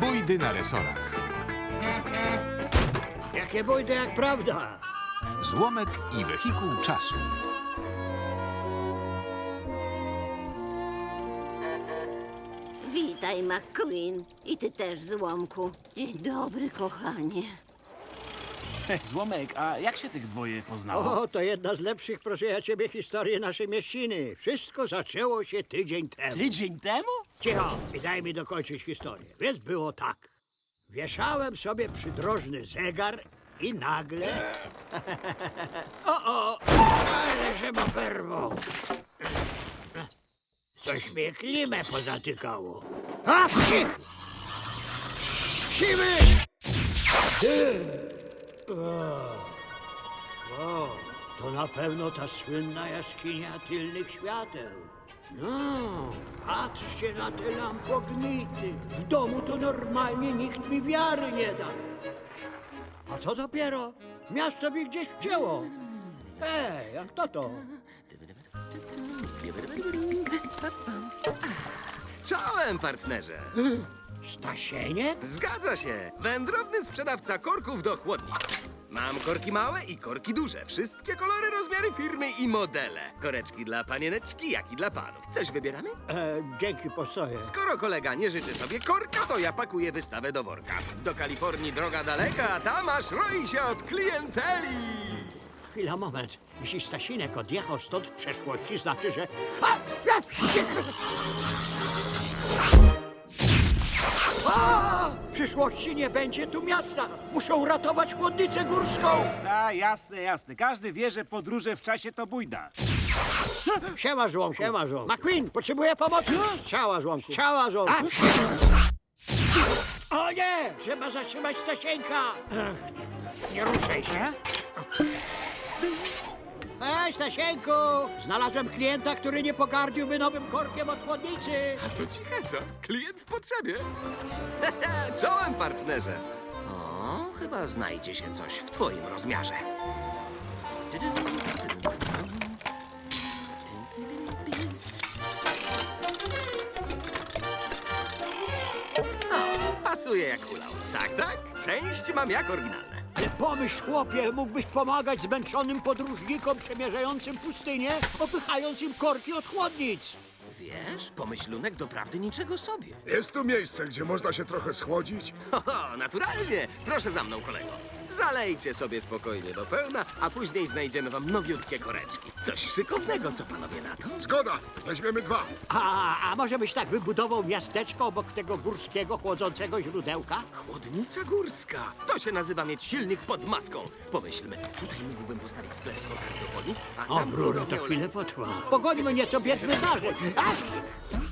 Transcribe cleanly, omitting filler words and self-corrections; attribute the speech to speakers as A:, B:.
A: Bójdy na resorach.
B: Jakie bójdy jak prawda.
A: Złomek i wehikuł czasu.
C: Witaj, McQueen. I ty też, Złomku. Dzień dobry, kochanie.
D: Złomek, a jak się tych dwoje poznało?
B: O, to jedna z lepszych, proszę ja ciebie, historii naszej mieściny. Wszystko zaczęło się tydzień temu.
D: Tydzień temu?
B: Cicho i daj mi dokończyć historię. Więc było tak. Wieszałem sobie przydrożny zegar i nagle... Ale że ma perwo. Coś mnie klimę pozatykało. A, wcich! Siwy! Dym! O, to na pewno ta słynna jaskinia tylnych świateł. No, patrzcie na te lampognity. W domu to normalnie nikt mi wiary nie da. A co dopiero? Miasto mi gdzieś wcięło. Ej, a kto to?
E: Czołem, partnerze!
B: Stasieniek?
E: Zgadza się! Wędrowny sprzedawca korków do chłodnic. Mam korki małe i korki duże. Wszystkie kolory, rozmiary firmy i modele. Koreczki dla panieneczki, jak i dla panów. Coś wybieramy?
B: Dzięki, postoję.
E: Skoro kolega nie życzy sobie korka, to ja pakuję wystawę do worka. Do Kalifornii droga daleka, a tam aż roi się od klienteli.
B: Chwila, moment. Jeśli Stasinek odjechał stąd w przeszłości, znaczy, że... A! Ja wściekł! A! W przyszłości nie będzie tu miasta. Muszą uratować chłodnicę górską.
D: A, jasne, jasne. Każdy wie, że podróże w czasie to bójda.
B: Siema, Żłomku. Siema, Żłomku. McQueen, potrzebuję pomocy. Strzała, Żłomku. Strzała, Żłomku. O nie! Trzeba zatrzymać Stasieńka. Nie ruszaj się. Ej, Stasieńku! Znalazłem klienta, który nie pogardziłby nowym korkiem od chłodnicy.
E: To ciche, co? Klient w potrzebie. Czołem, partnerze. O, chyba znajdzie się coś w twoim rozmiarze. O, pasuje jak hulał. Tak, tak, część mam jak oryginalne.
B: Ale pomyśl, chłopie, mógłbyś pomagać zmęczonym podróżnikom przemierzającym pustynię, opychając im korki od chłodnic.
E: Wiesz, pomyślunek doprawdy niczego sobie.
F: Jest tu miejsce, gdzie można się trochę schłodzić?
E: Ho, naturalnie. Proszę za mną, kolego. Zalejcie sobie spokojnie do pełna, a później znajdziemy wam nowiutkie koreczki. Coś szykownego, co panowie na to?
F: Zgoda, weźmiemy 2.
B: A może byś tak wybudował miasteczko obok tego górskiego, chłodzącego źródełka?
E: Chłodnica górska. To się nazywa mieć silnik pod maską. Pomyślmy, tutaj mógłbym postawić sklep z korkami do chłodnic, a
B: O,
E: tam
B: Bruno,
E: górą
B: to
E: miał
B: chwilę potrwa. Pogońmy nieco biedny zarzek. Ach!